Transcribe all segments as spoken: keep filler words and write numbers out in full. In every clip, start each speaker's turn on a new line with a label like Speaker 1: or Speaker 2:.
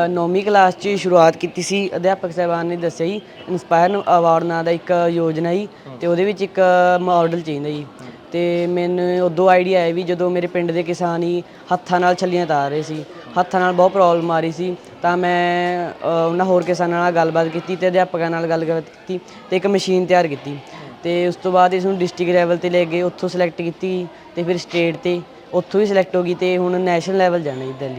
Speaker 1: ਨੌਵੀਂ ਕਲਾਸ 'ਚ ਸ਼ੁਰੂਆਤ ਕੀਤੀ ਸੀ। ਅਧਿਆਪਕ ਸਾਹਿਬਾਨ ਨੇ ਦੱਸਿਆ ਜੀ ਇੰਸਪਾਇਰ ਅਵਾਰਡ ਨਾਂ ਦਾ ਇੱਕ ਯੋਜਨਾ ਜੀ, ਅਤੇ ਉਹਦੇ ਵਿੱਚ ਇੱਕ ਮਾਡਲ ਚਾਹੀਦਾ ਜੀ। ਅਤੇ ਮੈਨੂੰ ਉਦੋਂ ਆਈਡੀਆ ਆਇਆ ਵੀ ਜਦੋਂ ਮੇਰੇ ਪਿੰਡ ਦੇ ਕਿਸਾਨ ਹੀ ਹੱਥਾਂ ਨਾਲ ਛੱਲੀਆਂ ਤਾਰ ਰਹੇ ਸੀ, ਹੱਥਾਂ ਨਾਲ ਬਹੁਤ ਪ੍ਰੋਬਲਮ ਆ ਰਹੀ ਸੀ, ਤਾਂ ਮੈਂ ਉਹਨਾਂ ਹੋਰ ਕਿਸਾਨਾਂ ਨਾਲ ਗੱਲਬਾਤ ਕੀਤੀ ਅਤੇ ਅਧਿਆਪਕਾਂ ਨਾਲ ਗੱਲਬਾਤ ਕੀਤੀ ਅਤੇ ਇੱਕ ਮਸ਼ੀਨ ਤਿਆਰ ਕੀਤੀ। ਅਤੇ ਉਸ ਤੋਂ ਬਾਅਦ ਇਸ ਨੂੰ ਡਿਸਟ੍ਰਿਕਟ ਲੈਵਲ 'ਤੇ ਲੈ ਗਏ, ਉੱਥੋਂ ਸਿਲੈਕਟ ਕੀਤੀ ਅਤੇ ਫਿਰ ਸਟੇਟ 'ਤੇ, ਉੱਥੋਂ ਵੀ ਸਿਲੈਕਟ ਹੋ ਗਈ ਅਤੇ ਹੁਣ ਨੈਸ਼ਨਲ ਲੈਵਲ ਜਾਣਾ ਜੀ ਦਿੱਲੀ।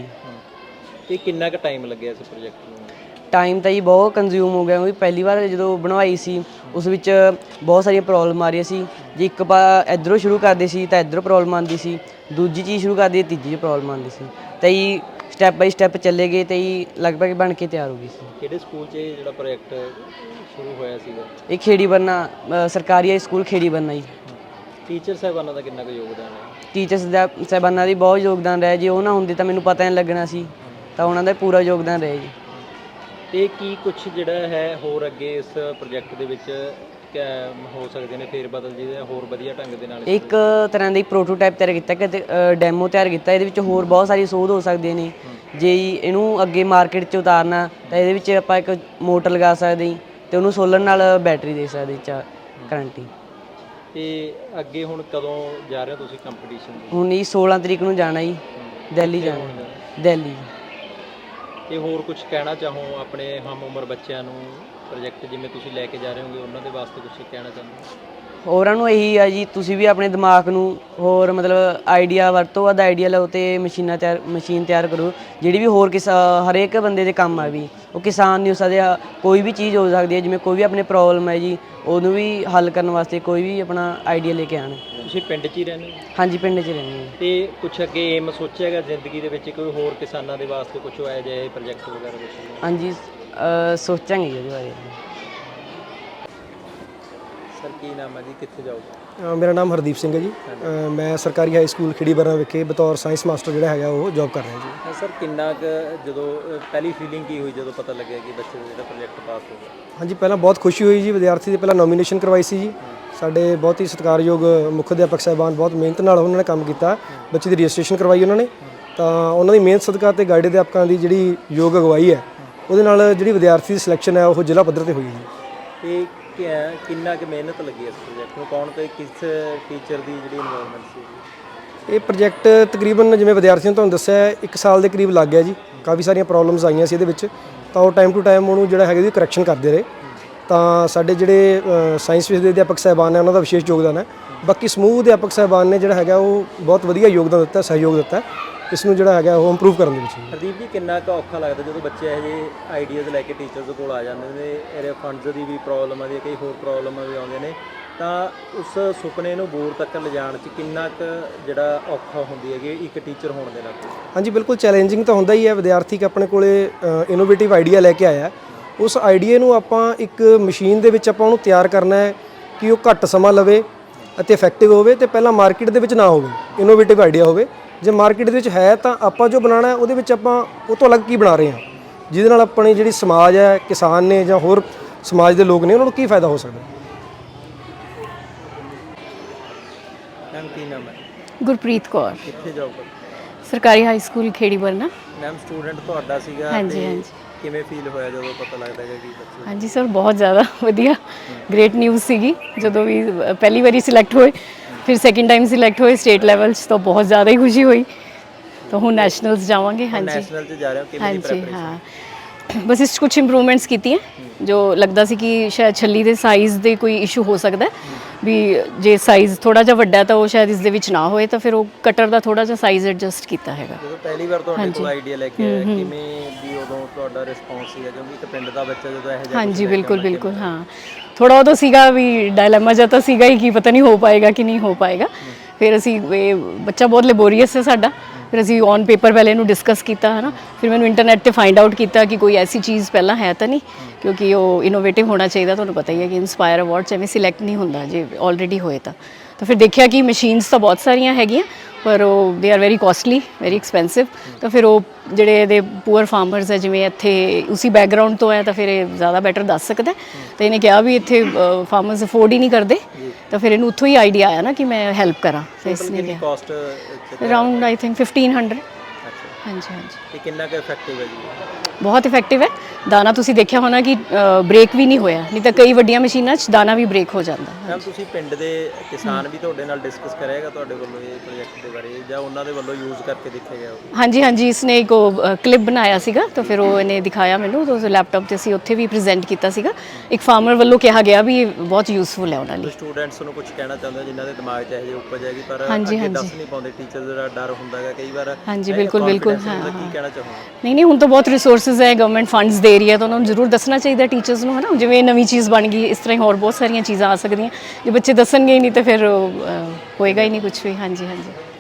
Speaker 2: ਇਹ ਕਿੰਨਾ ਕੁ ਟਾਈਮ ਲੱਗਿਆ ਇਸ ਪ੍ਰੋਜੈਕਟ ਨੂੰ?
Speaker 1: ਟਾਈਮ ਤਾਂ ਜੀ ਬਹੁਤ ਕੰਜ਼ਿਊਮ ਹੋ ਗਿਆ, ਕਿਉਂਕਿ ਪਹਿਲੀ ਵਾਰ ਜਦੋਂ ਬਣਵਾਈ ਸੀ ਉਸ ਵਿੱਚ ਬਹੁਤ ਸਾਰੀਆਂ ਪ੍ਰੋਬਲਮ ਆ ਰਹੀਆਂ ਸੀ। ਜੇ ਇੱਕ ਪਾ ਇੱਧਰੋਂ ਸ਼ੁਰੂ ਕਰਦੇ ਸੀ ਤਾਂ ਇੱਧਰੋਂ ਪ੍ਰੋਬਲਮ ਆਉਂਦੀ ਸੀ, ਦੂਜੀ ਚੀਜ਼ ਸ਼ੁਰੂ ਕਰਦੀ ਤੀਜੀ 'ਚ ਪ੍ਰੋਬਲਮ ਆਉਂਦੀ ਸੀ, ਤਾਂ ਜੀ ਸਟੈਪ ਬਾਈ ਸਟੈਪ ਚੱਲੇ ਗਏ ਅਤੇ ਜੀ ਲਗਭਗ ਬਣ ਕੇ ਤਿਆਰ ਹੋ ਗਈ ਸੀ।
Speaker 2: ਕਿਹੜੇ ਸਕੂਲ 'ਚ ਇਹ ਜਿਹੜਾ ਪ੍ਰੋਜੈਕਟ ਸ਼ੁਰੂ ਹੋਇਆ ਸੀਗਾ?
Speaker 1: ਇਹ ਖੇੜੀ ਬੰਨਾ ਸਰਕਾਰੀ ਹਾਈ ਸਕੂਲ ਖੇੜੀ ਬੰਨਾ ਜੀ।
Speaker 2: ਟੀਚਰ ਸਾਹਿਬਾਨਾਂ ਦਾ ਕਿੰਨਾ ਕੁ ਯੋਗਦਾਨ ਹੈ?
Speaker 1: ਟੀਚਰਸ ਦਾ ਸਾਹਿਬਾਨਾਂ ਦੀ ਬਹੁਤ ਯੋਗਦਾਨ ਰਿਹਾ ਜੀ, ਉਹ ਨਾ ਹੁੰਦੇ ਤਾਂ ਮੈਨੂੰ ਪਤਾ ਨਹੀਂ ਲੱਗਣਾ ਸੀ, ਤਾਂ ਉਹਨਾਂ ਦਾ ਪੂਰਾ ਯੋਗਦਾਨ ਰਿਹਾ ਜੀ।
Speaker 2: ਅਤੇ ਕੀ ਕੁਛ ਜਿਹੜਾ ਹੈ ਹੋਰ ਅੱਗੇ ਇਸ ਪ੍ਰੋਜੈਕਟ ਦੇ ਵਿੱਚ ਹੋ ਸਕਦੇ ਨੇ ਫੇਰ ਬਦਲ ਜਿਹਦੇ ਹੋਰ ਵਧੀਆ ਢੰਗ ਦੇ ਨਾਲ?
Speaker 1: ਇੱਕ ਤਰ੍ਹਾਂ ਦੀ ਪ੍ਰੋਟੋਟਾਈਪ ਤਿਆਰ ਕੀਤਾ ਕਿ ਡੈਮੋ ਤਿਆਰ ਕੀਤਾ, ਇਹਦੇ ਵਿੱਚ ਹੋਰ ਬਹੁਤ ਸਾਰੀ ਸੋਧ ਹੋ ਸਕਦੀਆਂ ਨੇ। ਜੇ ਇਹਨੂੰ ਅੱਗੇ ਮਾਰਕੀਟ 'ਚ ਉਤਾਰਨਾ ਤਾਂ ਇਹਦੇ ਵਿੱਚ ਆਪਾਂ ਇੱਕ ਮੋਟਰ ਲਗਾ ਸਕਦੇ ਜੀ, ਅਤੇ ਉਹਨੂੰ ਸੋਲਰ ਨਾਲ ਬੈਟਰੀ ਦੇ ਸਕਦੇ ਚਾ ਕਰੰਟ ਹੀ।
Speaker 2: ਅਤੇ ਅੱਗੇ ਹੁਣ ਕਦੋਂ ਜਾ ਰਹੇ ਹੋ ਤੁਸੀਂ ਕੰਪੀਟੀਸ਼ਨ?
Speaker 1: ਹੁਣ ਜੀ ਸੋਲ੍ਹਾਂ ਤਰੀਕ ਨੂੰ ਜਾਣਾ ਜੀ, ਦਿੱਲੀ ਜਾਣਾ, ਦਿੱਲੀ।
Speaker 2: ਅਤੇ ਹੋਰ ਕੁਛ ਕਹਿਣਾ ਚਾਹੋ ਆਪਣੇ ਹਮ ਉਮਰ ਬੱਚਿਆਂ ਨੂੰ, ਪ੍ਰੋਜੈਕਟ ਜਿਵੇਂ ਤੁਸੀਂ ਲੈ ਕੇ ਜਾ ਰਹੇ ਹੋਗੇ ਉਹਨਾਂ ਦੇ ਵਾਸਤੇ ਕੁਛ ਕਹਿਣਾ ਚਾਹੁੰਦੇ?
Speaker 1: ਹੋਰਾਂ ਨੂੰ ਇਹੀ ਆ ਜੀ, ਤੁਸੀਂ ਵੀ ਆਪਣੇ ਦਿਮਾਗ ਨੂੰ ਹੋਰ ਮਤਲਬ ਆਈਡੀਆ ਵੱਧ ਤੋਂ ਵੱਧ ਆਈਡੀਆ ਲਓ ਅਤੇ ਮਸ਼ੀਨਾਂ ਤਿਆਰ ਮਸ਼ੀਨ ਤਿਆਰ ਕਰੋ ਜਿਹੜੀ ਵੀ ਹੋਰ ਕਿਸਾ ਹਰੇਕ ਬੰਦੇ ਦੇ ਕੰਮ ਆ ਵੀ। ਉਹ ਕਿਸਾਨ ਨਹੀਂ ਹੋ ਸਕਦੇ, ਕੋਈ ਵੀ ਚੀਜ਼ ਹੋ ਸਕਦੀ ਹੈ, ਜਿਵੇਂ ਕੋਈ ਵੀ ਆਪਣੇ ਪ੍ਰੋਬਲਮ ਹੈ ਜੀ ਉਹਨੂੰ ਵੀ ਹੱਲ ਕਰਨ ਵਾਸਤੇ ਕੋਈ ਵੀ ਆਪਣਾ ਆਈਡੀਆ ਲੈ ਕੇ ਆਉਣ।
Speaker 2: ਤੁਸੀਂ ਪਿੰਡ 'ਚ ਹੀ ਰਹਿੰਦੇ ਹੋ?
Speaker 1: ਹਾਂਜੀ, ਪਿੰਡ 'ਚ ਰਹਿੰਦੇ ਹਾਂ।
Speaker 2: ਅਤੇ ਕੁਛ ਅੱਗੇ ਏਮ ਸੋਚਿਆ ਹੈਗਾ ਜ਼ਿੰਦਗੀ ਦੇ ਵਿੱਚ ਕੋਈ ਹੋਰ ਕਿਸਾਨਾਂ ਦੇ ਵਾਸਤੇ ਕੁਛ ਹੋਇਆ ਜਾਏ ਪ੍ਰੋਜੈਕਟ ਵਗੈਰਾ ਕੁਛ?
Speaker 1: ਹਾਂਜੀ, ਸੋਚਾਂਗੇ ਜੀ ਉਹਦੇ ਬਾਰੇ।
Speaker 2: ਸਰ ਕੀ ਨਾਮ ਹੈ ਜੀ, ਕਿੱਥੇ ਜਾਓਗੇ?
Speaker 3: ਮੇਰਾ ਨਾਮ ਹਰਦੀਪ ਸਿੰਘ ਹੈ ਜੀ। ਮੈਂ ਸਰਕਾਰੀ ਹਾਈ ਸਕੂਲ ਖੇੜੀ ਬਰਨਾ ਵਿਖੇ ਬਤੌਰ ਸਾਇੰਸ ਮਾਸਟਰ ਜਿਹੜਾ ਹੈਗਾ ਉਹ ਜੌਬ ਕਰ ਰਿਹਾ ਜੀ।
Speaker 2: ਸਰ ਕਿੰਨਾ ਕੁ ਜਦੋਂ ਪਹਿਲੀ ਫੀਲਿੰਗ ਕੀ ਹੋਈ ਜਦੋਂ ਪਤਾ ਲੱਗਿਆ ਕਿ ਬੱਚੇ ਦਾ ਜਿਹੜਾ ਪ੍ਰੋਜੈਕਟ ਪਾਸ ਹੋ ਗਿਆ?
Speaker 3: ਹਾਂਜੀ, ਪਹਿਲਾਂ ਬਹੁਤ ਖੁਸ਼ੀ ਹੋਈ ਜੀ। ਵਿਦਿਆਰਥੀ ਦੀ ਪਹਿਲਾਂ ਨੋਮੀਨੇਸ਼ਨ ਕਰਵਾਈ ਸੀ ਜੀ। ਸਾਡੇ ਬਹੁਤ ਹੀ ਸਤਿਕਾਰਯੋਗ ਮੁੱਖ ਅਧਿਆਪਕ ਸਾਹਿਬਾਨ ਬਹੁਤ ਮਿਹਨਤ ਨਾਲ ਉਹਨਾਂ ਨੇ ਕੰਮ ਕੀਤਾ, ਬੱਚੇ ਦੀ ਰਜਿਸਟ੍ਰੇਸ਼ਨ ਕਰਵਾਈ ਉਹਨਾਂ ਨੇ। ਤਾਂ ਉਹਨਾਂ ਦੀ ਮਿਹਨਤ ਸਦਕਾ ਅਤੇ ਗਾਈਡ ਅਧਿਆਪਕਾਂ ਦੀ ਜਿਹੜੀ ਯੋਗ ਅਗਵਾਈ ਹੈ ਉਹਦੇ ਨਾਲ ਜਿਹੜੀ ਵਿਦਿਆਰਥੀ ਦੀ ਸਿਲੈਕਸ਼ਨ ਹੈ ਉਹ ਜ਼ਿਲ੍ਹਾ ਪੱਧਰ 'ਤੇ ਹੋਈ ਜੀ।
Speaker 2: ਇਹ ਕਿੰਨਾ ਕੁ ਮਿਹਨਤ ਲੱਗੀ ਇਸ ਪ੍ਰੋਜੈਕਟ ਨੂੰ, ਕੌਣ ਤੇ ਕਿਸ ਟੀਚਰ ਦੀ ਜਿਹੜੀ ਇਨਵੋਲਵਮੈਂਟ ਸੀ?
Speaker 3: ਇਹ ਪ੍ਰੋਜੈਕਟ ਤਕਰੀਬਨ ਜਿਵੇਂ ਵਿਦਿਆਰਥੀਆਂ ਨੂੰ ਤੁਹਾਨੂੰ ਦੱਸਿਆ ਇੱਕ ਸਾਲ ਦੇ ਕਰੀਬ ਲੱਗ ਗਿਆ ਜੀ। ਕਾਫੀ ਸਾਰੀਆਂ ਪ੍ਰੋਬਲਮਸ ਆਈਆਂ ਸੀ ਇਹਦੇ ਵਿੱਚ, ਤਾਂ ਉਹ ਟਾਈਮ ਟੂ ਟਾਈਮ ਉਹਨੂੰ ਜਿਹੜਾ ਹੈਗਾ ਜੀ ਕਰੈਕਸ਼ਨ ਕਰਦੇ ਰਹੇ। ਤਾਂ ਸਾਡੇ ਜਿਹੜੇ ਸਾਇੰਸ ਵਿਸ਼ੇ ਦੇ ਅਧਿਆਪਕ ਸਾਹਿਬਾਨ ਨੇ ਉਹਨਾਂ ਦਾ ਵਿਸ਼ੇਸ਼ ਯੋਗਦਾਨ ਹੈ। ਬਾਕੀ ਸਮੂਹ ਅਧਿਆਪਕ ਸਾਹਿਬਾਨ ਨੇ ਜਿਹੜਾ ਹੈਗਾ ਉਹ ਬਹੁਤ ਵਧੀਆ ਯੋਗਦਾਨ ਦਿੱਤਾ, ਸਹਿਯੋਗ ਦਿੱਤਾ ਇਸ ਨੂੰ ਜਿਹੜਾ ਹੈਗਾ ਉਹ ਇੰਪਰੂਵ ਕਰਨ ਦੇ ਵਿੱਚ।
Speaker 2: ਹਰਦੀਪ ਜੀ ਕਿੰਨਾ ਕੁ ਔਖਾ ਲੱਗਦਾ ਜਦੋਂ ਬੱਚੇ ਇਹੋ ਜਿਹੇ ਆਈਡੀਆਜ਼ ਲੈ ਕੇ ਟੀਚਰਸ ਕੋਲ ਆ ਜਾਂਦੇ ਨੇ, ਇਹਦੇ ਫੰਡਸ ਦੀ ਵੀ ਪ੍ਰੋਬਲਮ ਆਉਂਦੀ ਹੈ, ਕਈ ਹੋਰ ਪ੍ਰੋਬਲਮਾਂ ਵੀ ਆਉਂਦੀਆਂ ਨੇ, ਤਾਂ ਉਸ ਸੁਪਨੇ ਨੂੰ ਬੋਰ ਤੱਕ ਲਿਜਾਣ 'ਚ ਕਿੰਨਾ ਕੁ ਜਿਹੜਾ ਔਖਾ ਹੁੰਦੀ ਹੈਗੀ ਇੱਕ ਟੀਚਰ ਹੋਣ ਦੇ ਨਾਤੇ?
Speaker 3: ਹਾਂਜੀ, ਬਿਲਕੁਲ ਚੈਲੰਜਿੰਗ ਤਾਂ ਹੁੰਦਾ ਹੀ ਹੈ। ਵਿਦਿਆਰਥੀ ਆਪਣੇ ਕੋਲੇ ਇਨੋਵੇਟਿਵ ਆਈਡੀਆ ਲੈ ਕੇ ਆਇਆ, ਉਸ ਆਈਡੀਏ ਨੂੰ ਆਪਾਂ ਇੱਕ ਮਸ਼ੀਨ ਦੇ ਵਿੱਚ ਆਪਾਂ ਉਹਨੂੰ ਤਿਆਰ ਕਰਨਾ ਹੈ ਕਿ ਉਹ ਘੱਟ ਸਮਾਂ ਲਵੇ ਅਤੇ ਇਫੈਕਟਿਵ ਹੋਵੇ, ਅਤੇ ਪਹਿਲਾਂ ਮਾਰਕੀਟ ਦੇ ਵਿੱਚ ਨਾ ਹੋਵੇ, ਇਨੋਵੇਟਿਵ ਆਈਡੀਆ ਹੋਵੇ। ਜੇ ਮਾਰਕੀਟ ਦੇ ਵਿੱਚ ਹੈ ਤਾਂ ਆਪਾਂ ਜੋ ਬਣਾਉਣਾ ਉਹਦੇ ਵਿੱਚ ਆਪਾਂ ਉਹ ਤੋਂ ਅਲੱਗ ਕੀ ਬਣਾ ਰਹੇ ਹਾਂ, ਜਿਹਦੇ ਨਾਲ ਆਪਣੀ ਜਿਹੜੀ ਸਮਾਜ ਹੈ, ਕਿਸਾਨ ਨੇ ਜਾਂ ਹੋਰ ਸਮਾਜ ਦੇ ਲੋਕ ਨੇ ਉਹਨਾਂ ਨੂੰ ਕੀ ਫਾਇਦਾ ਹੋ ਸਕਦਾ।
Speaker 2: ਮੈਮ ਕੀ ਨਾਮ ਹੈ?
Speaker 4: ਗੁਰਪ੍ਰੀਤ ਕੌਰ।
Speaker 2: ਕਿੱਥੇ ਜੌਬ ਕਰਦੇ?
Speaker 4: ਸਰਕਾਰੀ high school Kheri Barna.
Speaker 2: Ma'am student ਤੁਹਾਡਾ ਸੀਗਾ?
Speaker 4: ਹਾਂਜੀ ਹਾਂਜੀ।
Speaker 2: ਕਿਵੇਂ ਫੀਲ ਹੋਇਆ ਜਦੋਂ ਪਤਾ ਲੱਗਦਾ ਹੈ ਕਿ ਬੱਚੇ?
Speaker 4: ਹਾਂਜੀ ਸਰ, ਬਹੁਤ ਜ਼ਿਆਦਾ ਵਧੀਆ, ਗ੍ਰੇਟ ਨਿਊਜ਼ ਸੀਗੀ ਜਦੋਂ ਵੀ ਪਹਿਲੀ ਵਾਰੀ ਸਿਲੈਕਟ ਹੋਏ, ਫਿਰ ਸੈਕਿੰਡ ਟਾਈਮ ਸਿਲੈਕਟ ਹੋਏ ਸਟੇਟ ਲੈਵਲ 'ਚ, ਤਾਂ ਬਹੁਤ ਜ਼ਿਆਦਾ ਹੀ ਖੁਸ਼ੀ ਹੋਈ। ਤਾਂ ਹੁਣ ਨੈਸ਼ਨਲਸ ਜਾਵਾਂਗੇ। ਹਾਂਜੀ
Speaker 2: ਨੈਸ਼ਨਲ 'ਚ ਜਾ ਰਹੇ ਹੋ, ਕਿਵੇਂ ਦੀ
Speaker 4: ਹਾਂਜੀ ਹਾਂ, ਬਸ ਇਸ 'ਚ ਕੁਛ ਇੰਪਰੂਵਮੈਂਟਸ ਕੀਤੀਆਂ ਜੋ ਲੱਗਦਾ ਸੀ ਕਿ ਸ਼ਾਇਦ ਛੱਲੀ ਦੇ ਸਾਈਜ਼ ਦੇ ਕੋਈ ਇਸ਼ੂ ਹੋ ਸਕਦਾ ਵੀ, ਜੇ ਸਾਈਜ਼ ਥੋੜਾ ਜਿਹਾ ਵੱਡਾ ਤਾਂ ਉਹ ਸ਼ਾਇਦ ਇਸ ਦੇ ਵਿੱਚ ਨਾ ਹੋਏ, ਤਾਂ ਫਿਰ ਉਹ ਕਟਰ ਦਾ ਥੋੜਾ ਜਿਹਾ ਸਾਈਜ਼ ਐਡਜਸਟ ਕੀਤਾ ਹੈਗਾ।
Speaker 2: ਜਦੋਂ ਪਹਿਲੀ ਵਾਰ ਤੁਹਾਡੇ ਕੋਲ ਆਈਡੀਆ ਲੈ ਕੇ ਆਇਆ, ਕਿਵੇਂ ਵੀ ਉਦੋਂ ਤੁਹਾਡਾ ਰਿਸਪੌਂਸ ਸੀਗਾ? ਕਿਉਂਕਿ ਇੱਕ ਪਿੰਡ ਦਾ ਬੱਚਾ ਜਦੋਂ ਇਹੋ ਜਿਹਾ
Speaker 4: ਹਾਂਜੀ ਬਿਲਕੁਲ ਬਿਲਕੁਲ ਹਾਂ, ਥੋੜਾ ਉਦੋਂ ਸੀਗਾ ਵੀ ਡਾਇਲੇਮਾ ਜਿਹਾ ਤਾਂ ਸੀਗਾ ਹੀ ਕਿ ਪਤਾ ਨਹੀਂ ਹੋ ਪਾਏਗਾ ਕਿ ਨਹੀਂ ਹੋ ਪਾਏਗਾ। ਫਿਰ ਅਸੀਂ ਇਹ ਬੱਚਾ ਬਹੁਤ ਲੈਬੋਰੀਅਸ ਹੈ ਸਾਡਾ, ਫਿਰ ਅਸੀਂ ਔਨ ਪੇਪਰ ਪਹਿਲੇ ਇਹਨੂੰ ਡਿਸਕਸ ਕੀਤਾ ਹੈ ਨਾ, ਫਿਰ ਮੈਨੂੰ ਇੰਟਰਨੈਟ 'ਤੇ ਫਾਈਂਡ ਆਊਟ ਕੀਤਾ ਕਿ ਕੋਈ ਐਸੀ ਚੀਜ਼ ਪਹਿਲਾਂ ਹੈ ਤਾਂ ਨਹੀਂ, ਕਿਉਂਕਿ ਉਹ ਇਨੋਵੇਟਿਵ ਹੋਣਾ ਚਾਹੀਦਾ। ਤੁਹਾਨੂੰ ਪਤਾ ਹੀ ਹੈ ਕਿ ਇੰਸਪਾਇਰ ਅਵਾਰਡ 'ਚ ਐਵੇਂ ਸਿਲੈਕਟ ਨਹੀਂ ਹੁੰਦਾ ਜੇ ਆਲਰੇਡੀ ਹੋਏ ਤਾਂ। ਤਾਂ ਫਿਰ ਦੇਖਿਆ ਕਿ ਮਸ਼ੀਨਸ ਤਾਂ ਬਹੁਤ ਸਾਰੀਆਂ ਹੈਗੀਆਂ ਪਰ ਉਹ they are very costly, very expensive. ਤਾਂ ਫਿਰ ਉਹ ਜਿਹੜੇ ਇਹਦੇ ਪੂਅਰ ਫਾਰਮਰਸ ਹੈ, ਜਿਵੇਂ ਇੱਥੇ ਉਸੀ ਬੈਕਗਰਾਊਂਡ ਤੋਂ ਹੈ, ਤਾਂ ਫਿਰ ਇਹ ਜ਼ਿਆਦਾ ਬੈਟਰ ਦੱਸ ਸਕਦਾ। ਤਾਂ ਇਹਨੇ ਕਿਹਾ ਵੀ ਇੱਥੇ ਫਾਰਮਰਸ ਅਫੋਰਡ ਹੀ ਨਹੀਂ ਕਰਦੇ, ਤਾਂ ਫਿਰ ਇਹਨੂੰ ਉੱਥੋਂ ਹੀ ਆਈਡੀਆ ਆਇਆ ਨਾ ਕਿ ਮੈਂ ਹੈਲਪ ਕਰਾਂ। ਤਾਂ ਇਸ ਨੇ ਕਿਹਾ around I think fifteen hundred. ਹਾਂਜੀ ਹਾਂਜੀ।
Speaker 2: ਕਿੰਨਾ ਕੁ ਇਫੈਕਟਿਵ ਹੈ ਜੀ?
Speaker 4: ਬਹੁਤ ਇਫੈਕਟਿਵ ਹੈ। ਦਾਣਾ ਤੁਸੀਂ ਦੇਖਿਆ ਹੋਣਾ ਕਿ ਬ੍ਰੇਕ ਵੀ ਨਹੀਂ ਹੋਇਆ, ਨਹੀਂ ਤਾਂ ਕਈ ਵੱਡੀਆਂ ਮਸ਼ੀਨਾਂ 'ਚ ਦਾਣਾ ਵੀ ਬ੍ਰੇਕ ਹੋ ਜਾਂਦਾ।
Speaker 2: ਮੈਮ ਤੁਸੀਂ ਪਿੰਡ ਦੇ ਕਿਸਾਨ ਵੀ ਤੁਹਾਡੇ ਨਾਲ ਡਿਸਕਸ ਕਰਿਆਗਾ ਤੁਹਾਡੇ ਵੱਲੋਂ ਇਹ ਪ੍ਰੋਜੈਕਟ ਦੇ ਬਾਰੇ, ਜਾਂ ਉਹਨਾਂ ਦੇ ਵੱਲੋਂ ਯੂਜ਼ ਕਰਕੇ ਦੇਖਿਆ ਗਿਆ?
Speaker 4: ਹਾਂਜੀ ਹਾਂਜੀ, ਇਸਨੇ ਇੱਕ ਉਹ ਕਲਿੱਪ ਬਣਾਇਆ ਸੀਗਾ, ਤਾਂ ਫਿਰ ਉਹ ਇਹਨੇ ਦਿਖਾਇਆ ਮੈਨੂੰ, ਤਾਂ ਉਸ ਲੈਪਟਾਪ ਤੇ ਅਸੀਂ ਉੱਥੇ ਵੀ ਪ੍ਰੈਜ਼ੈਂਟ ਕੀਤਾ ਸੀਗਾ। ਇੱਕ ਫਾਰਮਰ ਵੱਲੋਂ ਕਿਹਾ ਗਿਆ ਵੀ ਇਹ ਬਹੁਤ ਯੂਜ਼ਫੁਲ ਹੈ ਉਹਨਾਂ ਲਈ।
Speaker 2: ਸਟੂਡੈਂਟਸ ਨੂੰ ਕੁਝ ਕਹਿਣਾ ਚਾਹੁੰਦੇ ਹੋ ਜਿਨ੍ਹਾਂ ਦੇ ਦਿਮਾਗ 'ਚ ਇਹੋ ਜਿਹੀ ਉਪਜ ਹੈਗੀ ਪਰ
Speaker 4: ਹਾਂਜੀ,
Speaker 2: ਅੱਗੇ
Speaker 4: ਹਾਂਜੀ।
Speaker 2: ਦੱਸ ਨਹੀਂ ਪਾਉਂਦੇ, ਟੀਚਰ ਦਾ ਡਰ ਹੁੰਦਾ ਹੈਗਾ ਕਈ ਵਾਰ?
Speaker 4: ਹਾਂਜੀ,
Speaker 2: ਇਹ
Speaker 4: ਬਿਲਕੁਲ ਬਿਲਕੁਲ,
Speaker 2: confidence
Speaker 4: ਹਾਂ
Speaker 2: ਹੁੰਦਾ,
Speaker 4: ਹਾਂ।
Speaker 2: ਕੀ ਕਹਿਣਾ ਚਾਹੋਗੇ?
Speaker 4: ਨਹੀਂ ਨਹੀਂ, ਹੁਣ ਤਾਂ ਬਹੁਤ ਰਿਸੋਰਸਿਸ ਹੈ, ਗਵਰਨਮੈਂਟ ਫੰਡਸ ਦੇ ਰਹੀ ਹੈ, ਤਾਂ ਉਹਨਾਂ ਨੂੰ ਜ਼ਰੂਰ ਦੱਸਣਾ ਚਾਹੀਦਾ ਟੀਚਰਸ ਨੂੰ, ਹੈ ਨਾ। ਜਿਵੇਂ ਨਵੀਂ ਚੀਜ਼ ਬਣ ਗਈ, ਇਸ ਤਰ੍ਹਾਂ ਹੀ ਹੋਰ ਬਹੁਤ ਸਾਰੀਆਂ ਚੀਜ਼ਾਂ ਆ ਸਕਦੀਆਂ। ਜੇ ਬੱਚੇ ਦੱਸਣਗੇ ਹੀ ਨਹੀਂ ਤਾਂ ਫਿਰ ਅ, ਹੋਏਗਾ ਹੀ ਨਹੀਂ ਕੁਝ ਵੀ। ਹਾਂਜੀ ਹਾਂਜੀ।